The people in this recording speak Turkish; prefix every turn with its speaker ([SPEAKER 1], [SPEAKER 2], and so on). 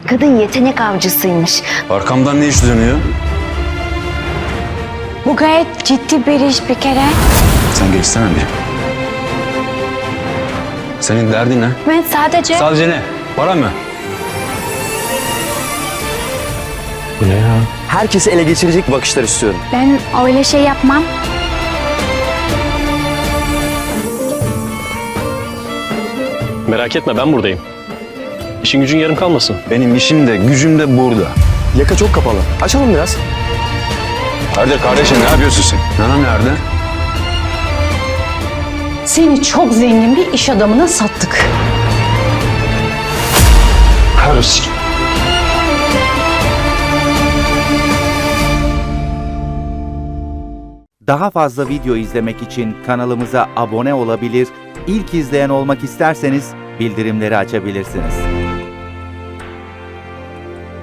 [SPEAKER 1] Kadın yetenek avcısıymış.
[SPEAKER 2] Arkamdan ne iş dönüyor?
[SPEAKER 1] Bu gayet ciddi bir iş bir kere.
[SPEAKER 2] Sen geçsene bir. Senin derdin ne?
[SPEAKER 1] Ben sadece...
[SPEAKER 2] Sadece ne? Para mı?
[SPEAKER 3] Bu ne ya?
[SPEAKER 4] Herkesi ele geçirecek bakışlar istiyorum.
[SPEAKER 1] Ben öyle şey yapmam.
[SPEAKER 3] Merak etme, ben buradayım. İşin gücün yarım kalmasın.
[SPEAKER 2] Benim işim de gücüm de burada.
[SPEAKER 4] Yaka çok kapalı. Açalım biraz.
[SPEAKER 2] Hadi kardeşim ne yapıyorsun sen? Nana nerede?
[SPEAKER 5] Seni çok zengin bir iş adamına sattık.
[SPEAKER 2] Karısı.
[SPEAKER 6] Daha fazla video izlemek için kanalımıza abone olabilir, ilk izleyen olmak isterseniz bildirimleri açabilirsiniz.